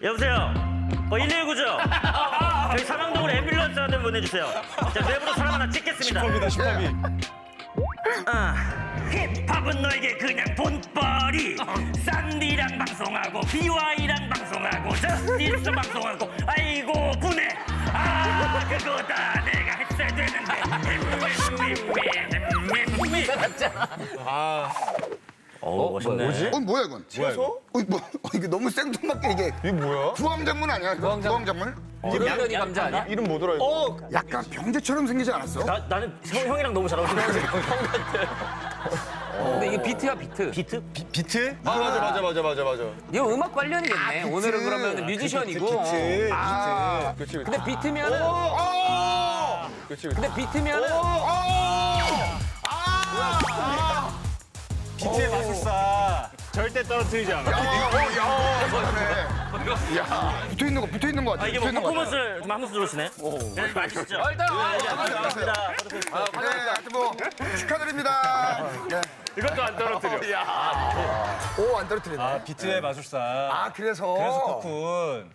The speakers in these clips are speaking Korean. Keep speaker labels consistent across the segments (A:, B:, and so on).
A: 여보세요. 119죠? 저희 삼양동으로 앰뷸런스 한 대 보내주세요. 자, 외부로 사람 하나 찍겠습니다.
B: 슈퍼비다 슈퍼비.
A: 힙합은 너에게 그냥 돈벌이. 싼디랑 방송하고 BY랑 방송하고 저스티스 방송하고 아이고 분해. 아 그거다 내가 했어야 되는데. 멋있네.
C: 뭐지? 뭐야 이건?
B: 뭐야?
C: 이게 너무 생뚱맞게 이게.
B: 이게 뭐야?
C: 부황작물 아니야? 구황작물?
D: 이름면이 감자 아니야?
B: 이름 뭐더라 이거?
C: 약간 병제처럼 생기지 않았어?
A: 나는 형이랑 너무 잘 어울리는데.
D: 근데 이게 비트야 비트.
A: 비트?
B: 비트? 아 맞아.
D: 이거 음악 관련이겠네. 오늘은 그러면 뮤지션이고.
B: 비트. 그렇지.
D: 근데 비트면은
B: 그렇지.
D: 근데 비트면은
B: 비트의 마술사. 절대 떨어뜨리지 않아.
C: 야, 붙어 있는 거 같아.
A: 아 이게 뭐 퍼포먼스를 좀 하면서 들어오시네. 네, 맛있죠?
D: 일단
A: 감사합니다.
C: 네, 하여튼 뭐 축하드립니다. 네.
B: 이것도 안 떨어뜨려.
C: 오, 안 떨어뜨리네.
B: 아 비트의 마술사.
C: 아, 그래서
B: 코쿤.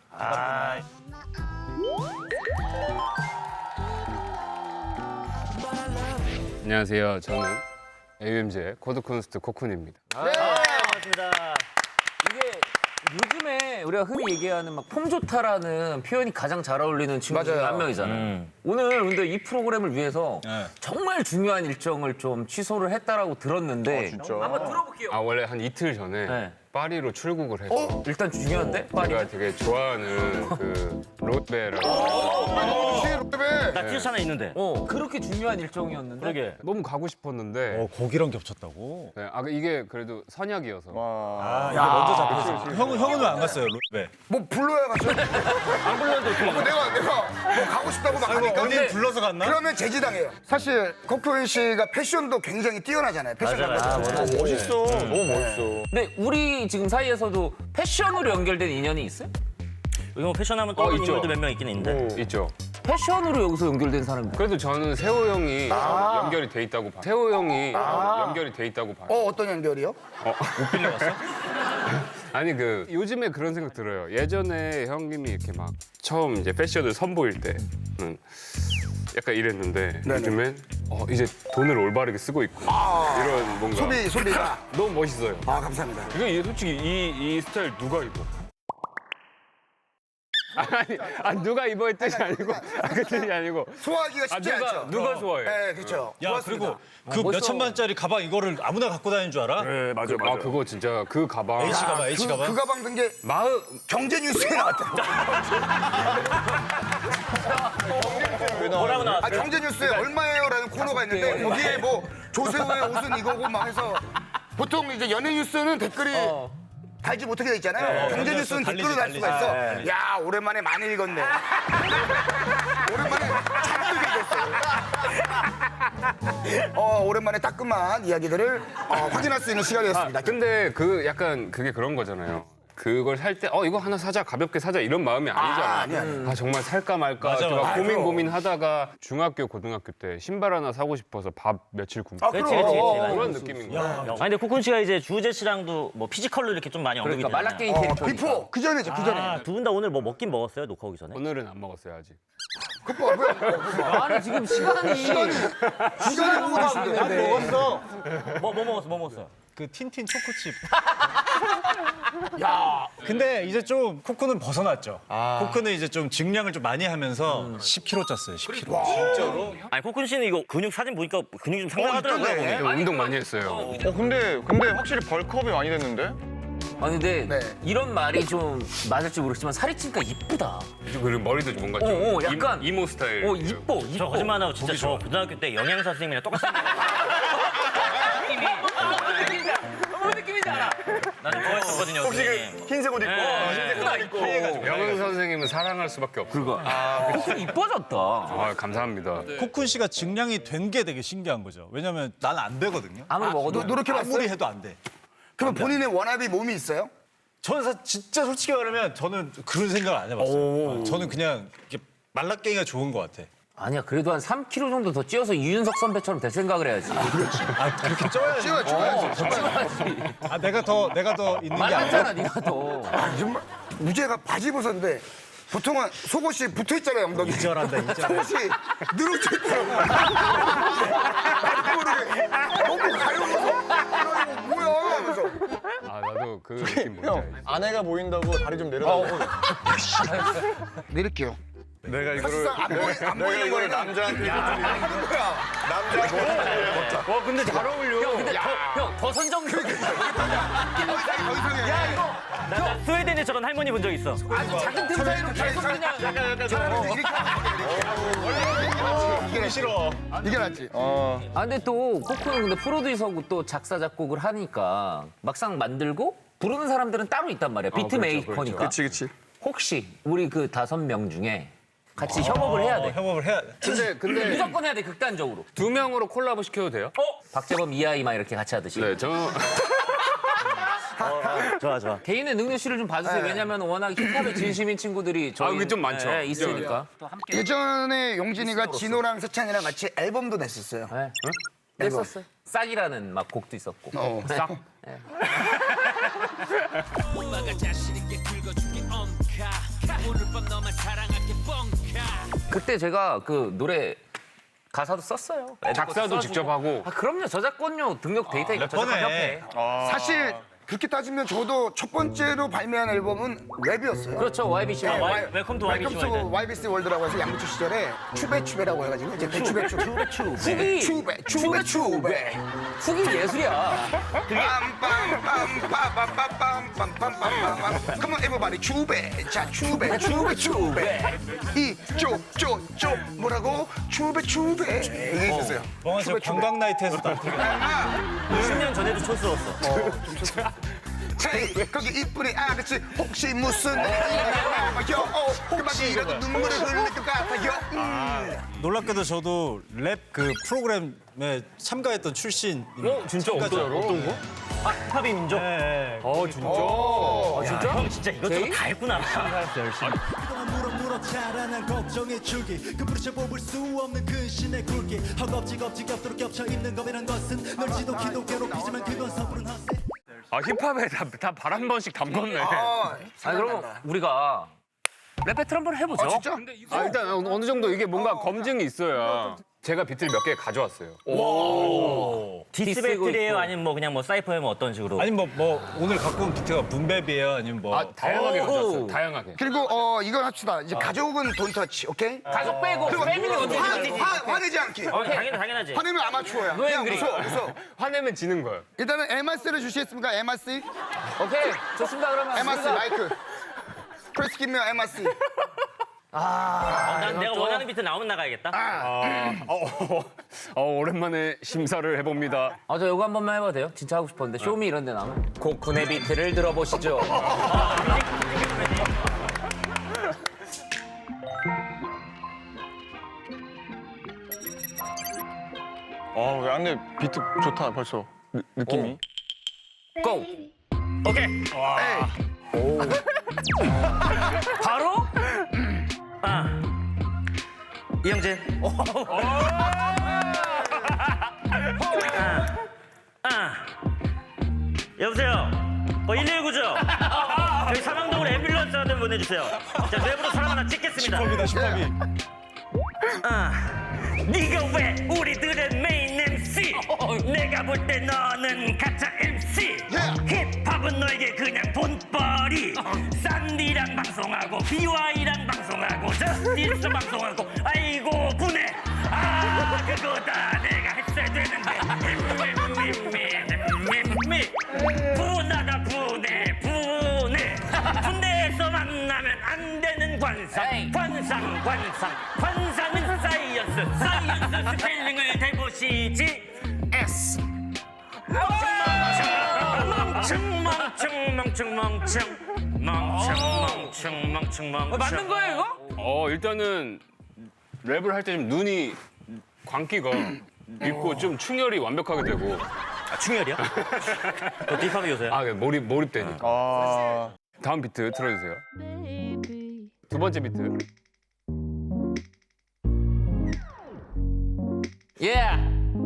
E: 안녕하세요. 저는 AUMG의 코드콘스트 코쿤입니다.
A: 반갑습니다.
D: 이게 요즘에 우리가 흔히 얘기하는 막 폼 좋다라는 표현이 가장 잘 어울리는 친구 중에
C: 맞아요.
D: 한 명이잖아요. 오늘 근데 이 프로그램을 위해서
B: 네.
D: 정말 중요한 일정을 좀 취소를 했다고 들었는데 한번 들어볼게요.
E: 아 원래 한 이틀 전에
D: 네.
E: 파리로 출국을 해서
D: 일단 중요한데 파리.
E: 제가 되게 좋아하는 그 롯베라고
C: 시럽에
A: 나 티셔츠 하나 있는데.
D: 그렇게 중요한 일정이었는데.
A: 그러게.
E: 너무 가고 싶었는데
B: 고기랑 겹쳤다고?
E: 네, 이게 그래도 선약이어서
B: 아 이게 먼저 잡혔어. 형은 왜 안 갔어요 롯데?
C: 뭐 불러야 가죠? 안 불렀는데 어떻게? 내가 뭐 가고 싶다고 막 하니까.
B: 어디 불러서 갔나?
C: 그러면 제지당해요. 사실 코쿤 씨가 패션도 굉장히 뛰어나잖아요. 패션
A: 맞아.
B: 멋있어. 너무 멋있어.
D: 근데 우리 지금 사이에서도 패션으로 연결된 인연이 있어요?
A: 여기 뭐 패션하면 떠오르는
E: 있죠.
A: 인물도 몇 명 있긴 있는데.
E: 있죠.
D: 패션으로 여기서 연결된 사람이
E: 그래도 저는 세호 형이 연결이 돼 있다고 봐요. 세호 형이 연결이 돼 있다고 봐요.
C: 어떤 연결이요?
B: 못 빌려갔어?
E: 아니 그 요즘에 그런 생각 들어요. 예전에 형님이 이렇게 막 처음 이제 패션을 선보일 때는 약간 이랬는데
C: 네네.
E: 요즘엔 이제 돈을 올바르게 쓰고 있고 이런 뭔가
C: 소비가.
E: 너무 멋있어요.
C: 아, 감사합니다.
E: 이거 솔직히 이 스타일 누가 입어? 아니 누가 입어의 뜻이 아니고 그 뜻이 아니고
C: 소화하기가 쉽지 않죠.
E: 누가 좋아해?
C: 네, 그렇죠.
B: 야
C: 고맙습니다.
B: 그리고 그
D: 멋있어.
B: 몇천만짜리 가방 이거를 아무나 갖고 다니는 줄 알아?
E: 네 맞아. 아 그거 진짜 그 가방
B: H 가방 H 가방.
C: 그 가방 든 게
E: 마흔
C: 경제 뉴스에 나왔다.
A: 뭐라고 나왔어?
C: 아, 경제 뉴스에 얼마예요라는 코너가 있는데 거기에 뭐 조세호의 옷은 이거고 막 해서 보통 이제 연예 뉴스는 댓글이 달지 못하게 돼 있잖아요. 경제 뉴스는 댓글로 달 수가 있어. 야, 오랜만에 많이 읽었네. 오랜만에 잔뜩 읽었어요. 오랜만에 따끔한 이야기들을 확인할 수 있는 시간이었습니다.
E: 근데 그 약간 그게 그런 거잖아요. 그걸 살 때 이거 하나 사자 가볍게 사자 이런 마음이 아니잖아.
C: 아니야.
E: 정말 살까 말까
B: 맞아,
E: 제가
B: 맞아.
E: 고민하다가 중학교 고등학교 때 신발 하나 사고 싶어서 밥 며칠 굶고
A: 그렇지.
E: 그런 느낌인 거야.
A: 아니 근데 코쿤 씨가 이제 주우재 씨랑도 뭐 피지컬로 이렇게 좀 많이 언급이
D: 그러니까
A: 되잖아요.
D: 말라게임 캐릭터.
C: 비포 그 전에죠, 그 전에.
A: 두 분 다 오늘 뭐 먹긴 먹었어요? 녹화 오기 전에?
E: 오늘은 안 먹었어요 아직.
D: 아니 지금 시간이
C: 시간이 보고 계신데.
B: 먹었어.
A: 뭐 먹었어요?
B: 그 틴틴 초코칩. 야. 근데 이제 좀 코코는 벗어났죠. 코코는 이제 좀 증량을 좀 많이 하면서 10kg 쪘어요. 10kg. 진짜로?
A: 아니 코쿤 씨는 이거 근육 사진 보니까 근육이 좀 상당하더라고요.
C: 있던데.
A: 몸이.
E: 운동 많이 했어요.
F: 근데 확실히 벌크업이 많이 됐는데?
D: 아니 근데
C: 네.
D: 이런 말이 좀 맞을지 모르겠지만 살이 찌니까 이쁘다.
E: 그리고 머리도 뭔가 좀
D: 약간
E: 이모 스타일.
D: 이뻐.
A: 저 거짓말 안 하고 진짜 저 고등학교 때 영양사 선생님이랑 똑같이
D: 무슨 느낌인지 알아?
A: 나는 좋아했었거든요. 선생님.
F: 흰색 옷 입고 흰색 가방 입고
E: 영은 선생님은 사랑할 수밖에 없어.
D: 코쿤 이뻐졌다.
E: 감사합니다.
B: 코쿤 씨가 증량이 된 게 되게 신기한 거죠. 왜냐면 나는 안 되거든요.
D: 아무리 먹어도
C: 노력해봤어요?
B: 아무리 해도 안 돼.
C: 그럼 본인의 원합이 몸이 있어요?
B: 저는 진짜 솔직히 말하면 저는 그런 생각을 안 해봤어요. 저는 그냥 이렇게 말라깽이가 좋은 것 같아.
D: 아니야, 그래도 한 3kg 정도 더 찌어서 이윤석 선배처럼 될 생각을 해야지.
B: 그렇게 쪄야지.
C: 찌워야지.
B: 아 내가 더 있는 게 아니라.
D: 말랐잖아, 네가 더.
C: 아, 정말 무죄가 바지 벗었는데 보통은 속옷이 붙어 있잖아요, 엉덩이.
B: 이절한다 이절.
C: 속옷이 늘어져 있더라고요. 나도 모르게 너무 가려워서 야, 이거 뭐야 하면서.
E: 아 나도 그 느낌 뭔지 알지.
F: 아내가 보인다고 다리 좀 내려달라고.
C: 내릴게요.
F: 내가 이거를
C: 사실상 안 보이는
F: 이거를
C: 거는
F: 남자한테
C: 뭐야?
F: 남자
E: 와 근데 잘 어울려.
D: 근데 더 선정적이야.
C: 더 이상해. 야 이거
A: 나 스웨덴에 저런 할머니 본 적 있어.
D: 아주 작은 틈 사이로 계속 그냥.
C: 차라리 이렇게 이게 싫어. 이게 낫지.
D: 아, 근데 또 코코는 근데 프로듀서고 또 작사 작곡을 하니까 막상 만들고 부르는 사람들은 따로 있단 말이야. 비트 메이커니까.
F: 그치.
D: 혹시 우리 그 5명 중에 같이 협업을 해야 돼.
B: 협업을 해야.
E: 근데
D: 무조건 해야 돼, 극단적으로.
E: 2명으로 콜라보 시켜도 돼요?
D: 박재범, 이하이 막 이렇게 같이 하듯이.
E: 네, 저
A: 좋아.
D: 개인의 능력치를 좀 봐주세요. 왜냐면 워낙 힙합에 진심인 친구들이 저희
E: 그게 좀 많죠.
D: 있으니까.
C: 예전에 용진이가 진호랑 세찬이랑 같이 앨범도 냈었어요.
D: 네. 냈었어요. 싹이라는 막 곡도 있었고.
C: 싹.
D: 그때 제가 그 노래 가사도 썼어요. 애들
E: 작사도
D: 것도
E: 직접
D: 써주고.
E: 하고.
D: 아, 그럼요. 저작권료 등록 데이터 있고 저작권협회.
C: 사실 그렇게 따지면 저도 첫 번째로 발매한 앨범은 랩이었어요.
D: 그렇죠. YBC.
A: 웰컴 투 YBC
C: 웰컴
A: 월드.
C: 투 YBC 월드라고 해서 양부추 시절에 추베추베라고 해가지고 이제 추베
D: 후기.
C: 추베
D: 후기 예술이야.
C: Come on everybody 추베 자 추베 이쪽쪽쪽 뭐라고 추베 이게 있었어요.
B: 뻥아 저 관광 나이트에서 나
A: 10년 전에도 촌스러웠어.
C: 헤이 거기 이쁜이 아가씨 혹시 무슨 혹시 이라도 눈물을 흘릴 것 같아요.
B: 놀랍게도 저도 랩 그 프로그램에 참가했던 출신.
E: 진짜 어떤 거?
A: 아, 힙합의 민족.
B: 네.
A: 진짜? 형 진짜 이것저것 다 했구나.
G: 물어 자라난 걱정의 줄기 그 부르쳐 뽑을 수 없는 근신의 굵기 허겁지 겹도록 겹쳐 있는 것이란 것은 널 지독히도 괴롭히지만 그건 서부른 허세
E: 아 힙합에 다 발 한 번씩 담궜네.
D: 아니 그럼 우리가 랩 배틀 한번 해보죠.
C: 진짜?
E: 아, 일단 어느 정도 이게 뭔가 검증이 있어야 제가 비트를 몇 개 가져왔어요.
A: 디스
D: 디스고
A: 배틀이에요?
D: 있고.
A: 아니면 뭐 그냥 뭐 사이퍼예요? 뭐 어떤 식으로?
B: 아니 뭐 오늘 갖고 온 비트가 분배비예요 아니면 뭐.
E: 아 다양하게 가져왔어요. 다양하게.
C: 그리고 이건 합시다. 이제 가족은 돈 터치, 오케이?
D: 가족 빼고 패밀리 어떻게
C: 화내지 않기.
A: 당연하지.
C: 화내면 아마추어야. 그냥 웃어.
E: 화내면 지는 거예요.
C: 일단은 MRC를 주시겠습니까? MRC?
D: 오케이 좋습니다. 그러면
C: MRC
D: 우리가
C: 마이크. 프레스 김면 MRC.
A: 난 내가 원하는 비트 나오면 나가야겠다.
E: 오랜만에 심사를 해봅니다.
D: 저 이거 한 번만 해봐도 돼요? 진짜 하고 싶었는데 쇼미 이런 데 나오면 코쿤의 비트를 들어보시죠.
F: 왜 안돼 비트 좋다 벌써 느낌이.
D: 고!
A: 오케이.
D: 바로?
A: 이영진. 여보세요. 119죠? 저희 삼양동으로 앰뷸런스 하나 보내주세요. 자, 랩으로 사람 하나 찍겠습니다.
B: 힙합이.
A: 네가 왜 우리들의 메인 MC? 내가 볼 때 너는 가짜 MC. 힙합은 너에게 그냥 돈벌이. 싼디랑 방송하고 BY랑 방송하고 저스티스 방송하고 아이고 분해. 그거다 내가 했어야 되는데. 분하다 분해. 군대에서 만나면 안 되는 관상. 관상은 사이언스 스펠링을 대보시지. S 멍청.
D: 맞는 거예요 이거?
E: 일단은 랩을 할 때 좀 눈이 광기가 있고 좀 충혈이 완벽하게 되고.
A: 충혈이야? 그것도 힙합의 요소야?
E: 몰입되니까. 다음 비트 틀어주세요. 두 번째 비트.
D: Yeah.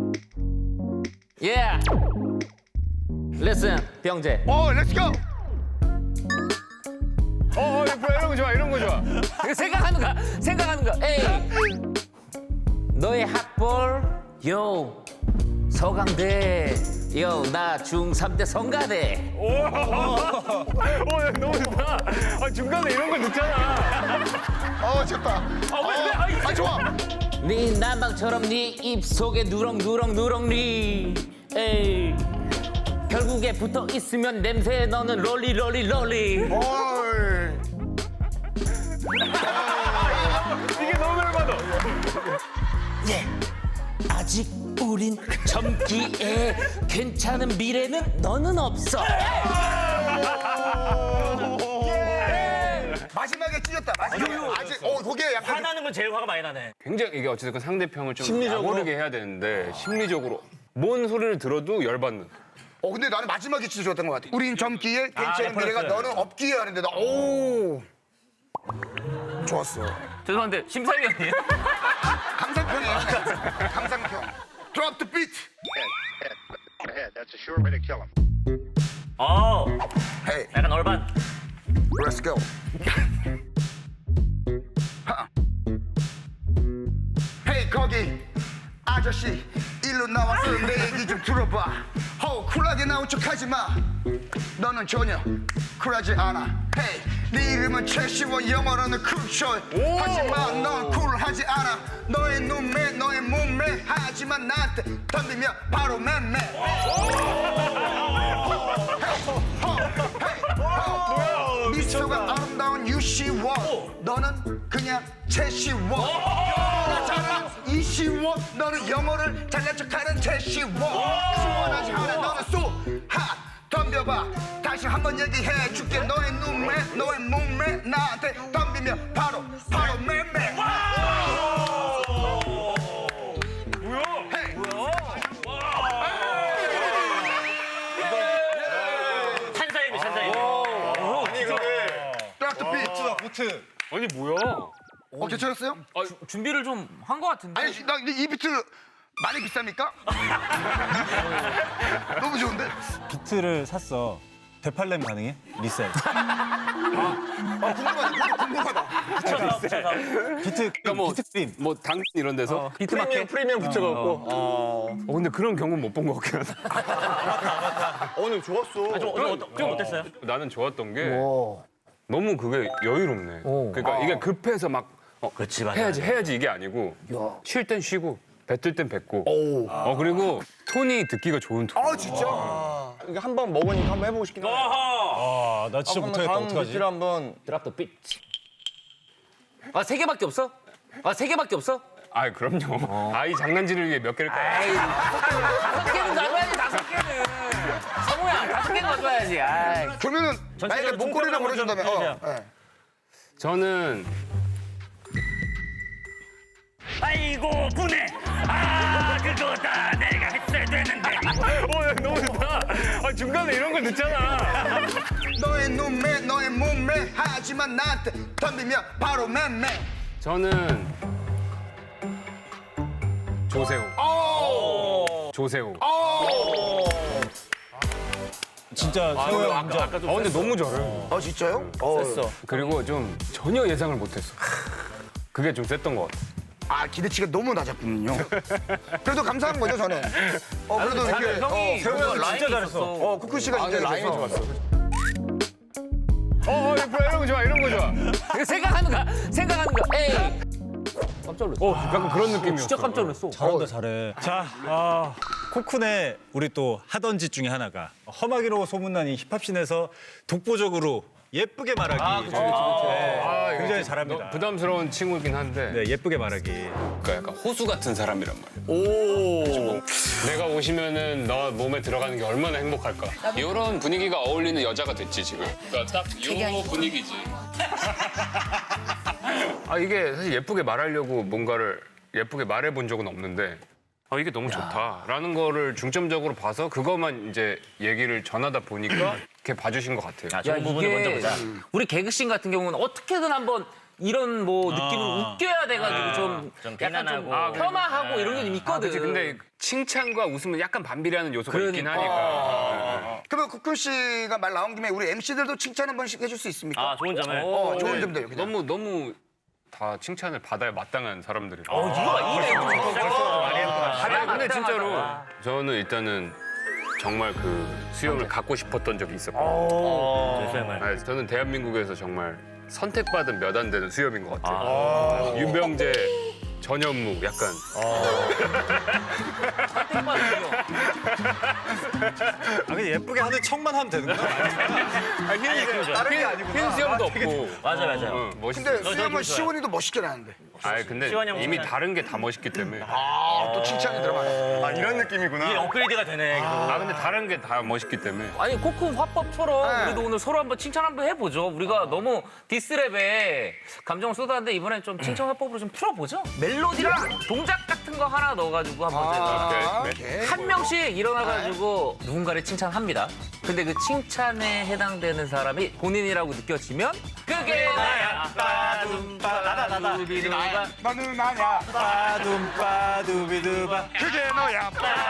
D: Yeah. Listen, 병재.
C: 렛츠고.
E: 이런 거 좋아, 이런 거 좋아.
D: 생각하는 거. 에이. 너의 학벌, 요. 서강대. 요, 나 중3 때 성가대.
E: 너무 좋다. 중간에 이런 거 넣잖아.
C: 좋다. 좋아.
D: 네 난방처럼 네 입속에 누렁누렁 에이. 결국에 붙어 있으면 냄새 너는 롤리.
E: 이게 너무 열받아.
D: 예. 아직 우린 젊기에 괜찮은 미래는 너는 없어.
C: 마지막에 찢었다. 마지막에. 아직 거기에 약간
A: 화나는 건 제일 화가 많이 나네.
E: 굉장히 이게 어쨌든 상대편을 좀 약오르게 해야 되는데 심리적으로 뭔 소리를 들어도 열받는.
C: 근데 나는 마지막에 진짜 좋았던 것 같아. 우린 젊기에 괜찮은 미래가 너는 없기에 하는데 좋았어.
D: 죄송한데 심사위원이에요?
C: 감상평이에요. 감상평. Drop the beat.
H: Head. That's a sure way to kill him.
C: Hey,
A: 약간 얼반.
C: let's go. Hey 거기 아저씨 일로 나와서 내 얘기 좀 들어봐. 쿨하게 나온 척하지 마. 너는 전혀 쿨하지 않아. Hey, 네 이름은 최시원 영어로는 쿨쇼. 하지만 넌 쿨하지 않아. 너의 눈매 너의 몸매 하지만 나한테 덤비면 바로 맴매. 미소가 아름다운 유시원. 너는 그냥 최시원. 나처럼 이시원. 너는 영어를 잘난 척하는 최시원. 시원하지 않아 너는 쏘하 덤벼봐. 다시 한번 얘기해 줄게. 너의 눈매 너의 몸매 나한테 덤비면 바로 맴매.
A: 찬사임이.
B: 보트.
E: 아니 뭐야?
C: 괜찮았어요?
D: 준비를 좀 한 것 같은데.
C: 아니 나이 비트 많이 비쌉니까? 너무 좋은데?
B: 비트를 샀어. 되팔렘 가능해? 리셀.
C: 궁금하다.
B: 비트
E: 뭐-
B: 비트 크림.
E: 뭐 당근 이런 데서.
F: 프리미엄 붙여갖고.
E: 근데 그런 경우는 못 본 것 같긴 하다.
F: 오늘 좋았어.
A: 좀 어땠어요?
E: 나는 좋았던 게 너무 그게 여유롭네. 그러니까 이게 급해서 막
A: 그렇지, 맞아.
E: 해야지 이게 아니고 쉴 땐 쉬고 뱉을 땐 뱉고. 그리고 톤이 듣기가 좋은 톤.
C: 진짜?
F: 이게 한 번 먹으니까 한번 해보고 싶긴 하네.
B: 나 진짜 못하겠다.
F: 다음
B: 어떡하지?
F: 비트를 한번.
D: 드랍 더 비트. 세 개밖에 없어? 세 개밖에 없어?
E: 아 그럼요. 아이 장난질을 위해 몇 개를 까요.
D: 아이, 5개는 가져야지, 5개는. 성우야, 5개는 가져야지. 아이.
C: 그러면은 만약에 목걸이를 보내준다면
E: 저는
A: 아이고 분해. 그거다 내가 했어야 되는데.
E: 너무 좋다. 중간에 이런 걸 넣잖아.
C: 너의 눈매 너의 몸매 하지만 나한테 덤비면 바로 맴매.
E: 저는 조세호. 조세호.
B: 진짜 세호 형 인정.
E: 근데 너무 잘해.
C: 진짜요?
E: 그리고 좀 전혀 예상을 못했어. 그게 좀 셌던 것 같아.
C: 기대치가 너무 낮았군요. 그래도 감사한 거죠 저는. 그래도 이렇게
D: 형이
B: 세호 형 진짜 잘했어.
C: 쿠쿠 씨가 진짜
F: 라인이
C: 잘해서.
F: 좋았어.
E: 이런 거 좋아, 이런 거 좋아.
D: 생각하는 거. 에이. 깜짝 놀랐어.
E: 약간 그런 느낌이었어.
D: 진짜 깜짝 놀랐어.
B: 잘한다 잘해. 자, 코쿤의 우리 또 하던 짓 중에 하나가 험하기로 소문난 이 힙합씬에서 독보적으로 예쁘게 말하기. 굉장히 잘합니다.
E: 부담스러운 친구긴 한데
B: 네, 예쁘게 말하기.
E: 그러니까 약간 호수 같은 사람이란 말이야. 내가 오시면은 너 몸에 들어가는 게 얼마나 행복할까. 이런 분위기가 어울리는 여자가 됐지 지금. 그러니까 딱 이 분위기지. 이게 사실 예쁘게 말하려고 뭔가를 예쁘게 말해본 적은 없는데 이게 너무 좋다라는 거를 중점적으로 봐서 그것만 이제 얘기를 전하다 보니까 이렇게 봐주신 것 같아요.
D: 야, 이게 우리 개그씬 같은 경우는 어떻게든 한번 이런 뭐 느낌으로 웃겨야 돼가지고 좀
A: 좀
D: 약간 좀
A: 비난하고.
D: 폄하하고 이런 게 좀 있거든.
E: 그치, 근데 칭찬과 웃음은 약간 반비례하는 요소가 있긴
D: 그러니까.
E: 하니까.
C: 그러면 국군 씨가 말 나온 김에 우리 MC들도 칭찬 한 번씩 해줄 수 있습니까?
A: 아, 좋은 점을.
C: 좋은 점들 그냥.
E: 너무 다 칭찬을 받아야 마땅한 사람들이.
D: 이거 이 멘트
E: 근데 진짜로 저는 일단은 정말 그 수염을 갖고 싶었던 적이 있었고.
A: 수염을.
E: 아, 저는 대한민국에서 정말 선택받은 몇 안 되는 수염인 것 같아요. 유병재, 전현무 약간.
B: 근데 예쁘게 하는 척만 하면 되는 거야?
E: 흰 수염도 없고.
A: 맞아요.
E: 멋있어.
C: 근데 수염은 시원이도 멋있게 나는데.
E: 근데
A: 시원이 형
E: 이미
A: 멋있어요.
E: 다른 게 다 멋있기 때문에.
C: 또 칭찬이 들어가네.
F: 아, 이런 느낌이구나.
A: 이게 업그레이드가 되네.
E: 근데 다른 게 다 멋있기 때문에.
D: 아니 코쿤 화법처럼 그래도 오늘 서로 한번 칭찬 한번 해보죠. 우리가 너무 디스랩에 감정을 쏟았는데 이번엔 좀 칭찬 화법으로 좀 풀어보죠. 멜로디랑 동작 같은 거 하나 넣어가지고 한번 제가
C: 오케이.
D: 한 명씩 일어나가지고 누군가를 칭찬합니다. 근데 그 칭찬에 해당되는 사람이 본인이라고 느껴지면 그게 나야.
B: 나다.
C: 너는 나냐?
B: 빠둠빠두비두바.
C: 그게 너야.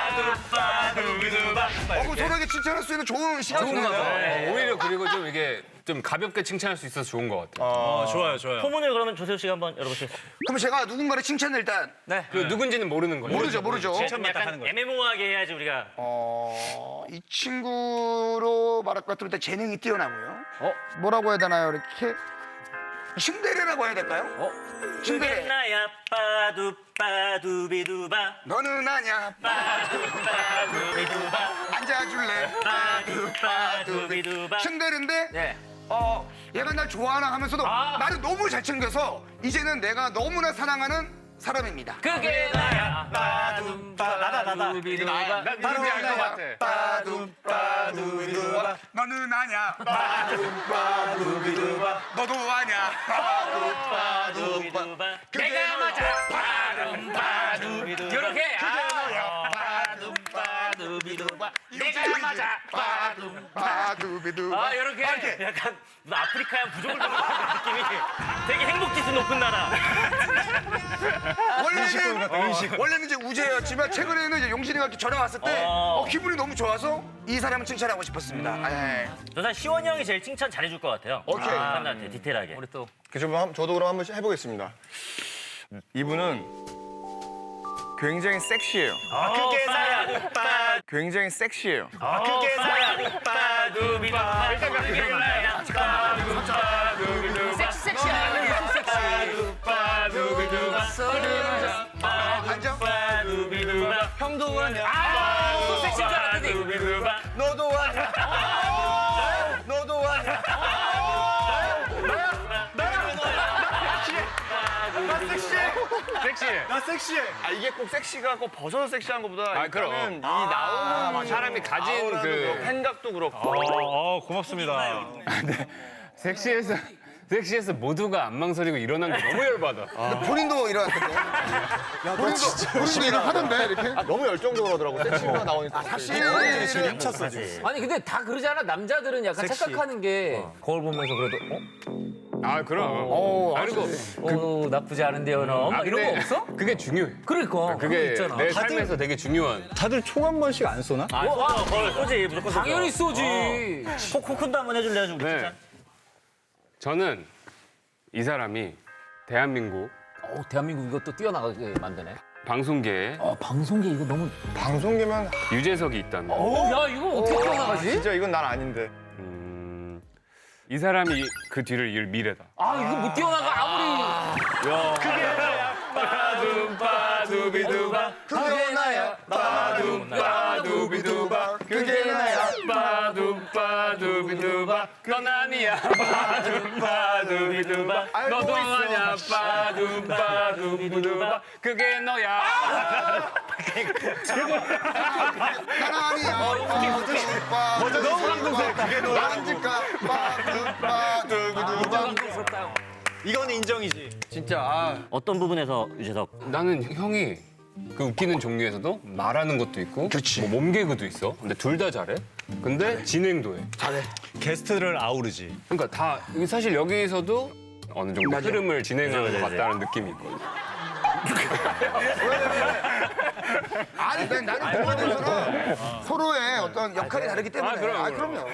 C: 서로에게 칭찬할 수 있는 좋은 시간.
D: 좋은 거죠.
E: 오히려 그리고 좀 이게 좀 가볍게 칭찬할 수 있어서 좋은 것 같아요.
B: 좋아요.
A: 포문을 그러면 조세호 씨가 한번 열어보시겠어요?
C: 그럼 제가 누군가를 칭찬을 일단
E: 그 누군지는 모르는 거예요.
C: 모르죠.
A: 좀 약간 애매모호하게 해야지 우리가.
C: 이 친구로 말할 것 같으면 일단 재능이 뛰어나고요. 뭐라고 해야 되나요? 이렇게 신데레라고 해야 될까요?
A: 그게
C: 신데레.
A: 나야 빠두빠두비두바.
C: 너는 아냐?
A: 빠두빠두비두바.
C: 앉아줄래?
A: 빠두빠두비두바.
C: 신데레인데
D: 네.
C: 얘가 날 좋아하나 하면서도 나를 너무 잘 챙겨서 이제는 내가 너무나 사랑하는 사람입니다.
D: 그게 나야.
B: 나다.
D: 빠두비두바.
E: 누군지 알 것 같아.
B: 빠둠빠두비두바.
C: 너는 아냐?
B: 빠두비두바.
C: 너도 아냐?
A: 빠두비두바.
D: 내가 맞아. 빠둠빠두. 이렇게.
A: 빠두비두바.
D: 내가 맞아.
C: 바두비두.
D: 이렇게.
A: 약간 무슨 아프리카의 부족을 보는 느낌이 되게 행복지수 높은 나라.
C: 원래는 이제 우재였지만 최근에는 이제 용진이가 이렇게 전화 왔을 때 기분이 너무 좋아서 이 사람을 칭찬하고 싶었습니다.
A: 저 사실 시원이 형이 제일 칭찬 잘해줄 것 같아요.
C: 오케이.
A: 사람들한테 디테일하게.
D: 우리 또
F: 저도 그럼 한번 해보겠습니다. 이분은 굉장히 섹시해요.
A: 그게 나야.
F: 굉장히 섹시해요.
A: 그게 나야. 빠두비두바. 그게 나야.
C: 앉아.
A: 빠두비두바.
F: 형도 아냐?
D: 또 섹시인 줄 알았더니.
A: 빠두비두바.
F: 너도 아냐? 너도 아냐?
E: 섹시해.
B: 나 섹시해.
F: 이게 꼭 섹시가 꼭 벗어서 섹시한 것보다
E: 그럼.
F: 일단은 이 나오는
E: 사람이 가진
F: 아우라도
E: 그
F: 그렇고 생각도 그렇고
B: 고맙습니다.
E: 섹시해서 모두가 안 망설이고 일어난 게 너무 열받아.
C: 본인도 일어났던데. 본인도 일어나던데 이렇게.
F: 너무 열정적으로 하더라고. 섹시가 나오니까.
C: 사실
B: 지금 힘찼어 지금.
D: 아니 근데 다 그러잖아. 남자들은 약간 착각하는 게 거울 보면서 그래도
E: 그럼. 그리고
D: 나쁘지 않은데요, 너. 막 이런 거 없어?
E: 그게 중요해.
D: 그러니까
E: 그게
D: 있잖아.
E: 내 삶에서 되게 중요한.
B: 다들 총 한 번씩 안 쏘나?
A: 쏘지 무조건 쏘죠.
D: 당연히 쏘지.
A: 코쿤도 한번 해줄래요, 좀.
E: 네. 저는 이 사람이 대한민국
D: 대한민국 이것도 뛰어나가게 만드네.
E: 방송계에
D: 방송계 이거 너무.
F: 방송계면
E: 유재석이 있다면
D: 야 이거 어떻게 뛰어나가지?
F: 진짜 이건 난 아닌데.
E: 이 사람이 그 뒤를 이을 미래다.
D: 이거 못 뛰어나가 아무리.
E: 빠두비두바
C: 그게 나야.
E: 빠두비두바
C: 그게 나야.
E: 빠두비두바 넌 아니야. 빠두비두바 너도 아냐. 빠두비두바 그게 너야.
C: 나는 아니야. 너무 감동스럽다. 그게 너야. 앉을까?
D: 감동스럽다.
B: 이건 인정이지.
A: 어떤 부분에서 유재석?
E: 나는 형이 그 웃기는 종류에서도 말하는 것도 있고 뭐 몸개그도 있어. 근데 둘 다 잘해. 근데 진행도 해.
B: 게스트를 아우르지.
E: 그러니까 다 사실 여기서도 어느 정도 흐름을 진행하는 것 같다는 느낌이 있거든요.
C: 아니, 나는 그거에 대해서는 서로의 어떤 역할이 다르기 때문에. 그럼요.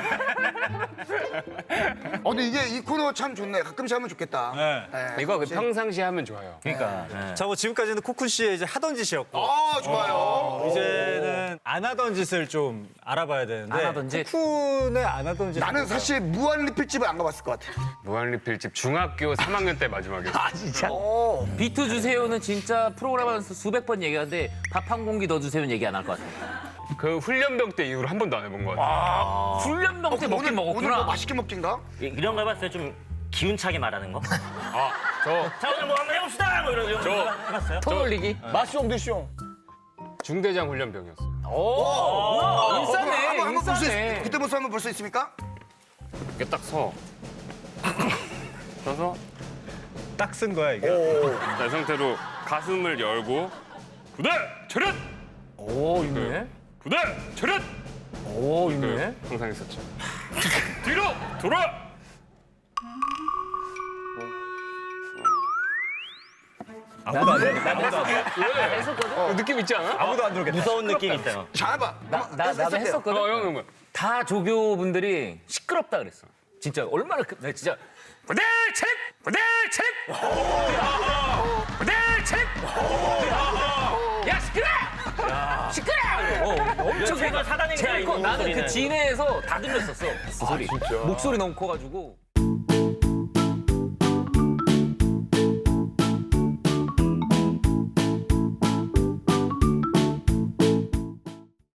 C: 근데 이 코너 참 좋네. 가끔씩 하면 좋겠다. 네.
E: 이거 평상시에 하면 좋아요.
B: 자, 뭐 지금까지는 코쿤 씨의 이제 하던 짓이었고
C: 좋아요.
B: 이제는 안 하던 짓을 좀 알아봐야 되는데
D: 안 하던 짓?
B: 코쿤의 안 하던 짓
C: 나는 사실 무한리필집을 안 가봤을 것 같아.
E: 무한리필집 중학교 3학년 때 마지막에.
D: 비트 주세요는 진짜 프로그램 하면서 수백 번 얘기하는데 밥 한 공기 더 주세요는 얘기 안 할 것 같아요.
E: 그 훈련병 때 이후로 한 번도 안 해본 것 같아요.
D: 훈련병 때 먹긴
C: 오늘
D: 먹었구나.
C: 뭐 맛있게 먹긴가?
A: 이런 거 해봤어요? 좀 기운차게 말하는 거?
E: 저
A: 자, 오늘 뭐 한번 해봅시다! 뭐 이런 거 해봤어요?
D: 톤 올리기.
E: 중대장 훈련병이었어요.
D: 인싸네,
C: 한번 볼 수
D: 인싸네.
C: 그때 모습 한번 볼 수 있습니까?
E: 이게 딱 서. 서서
B: 딱 쓴 거야 이게.
E: 이 상태로 가슴을 열고 부대 차렷!
D: 오, 있네.
E: 부대 차렷!
D: 오, 있네.
E: 항상 했었죠. 뒤로 돌아!
B: 아무도 안 들었겠다.
D: 했었거든?
E: 느낌 있지 않아?
B: 아무도 안 들었겠다.
A: 무서운 느낌 있어요.
C: 잘해봐.
D: 나도 했었거든.
E: 형.
D: 다 조교분들이 시끄럽다 그랬어. 진짜 얼마나 나 진짜
E: 부대 차렷! 부대 차렷! 부대 차렷!
D: 야 시끄러! 시끄러! 엄청
A: 제가 사단행자
D: 제일 커.
A: 이
D: 나는 그
A: 목소리는.
D: 진해에서 다 들렸었어. 그 소리. 목소리 너무 커가지고.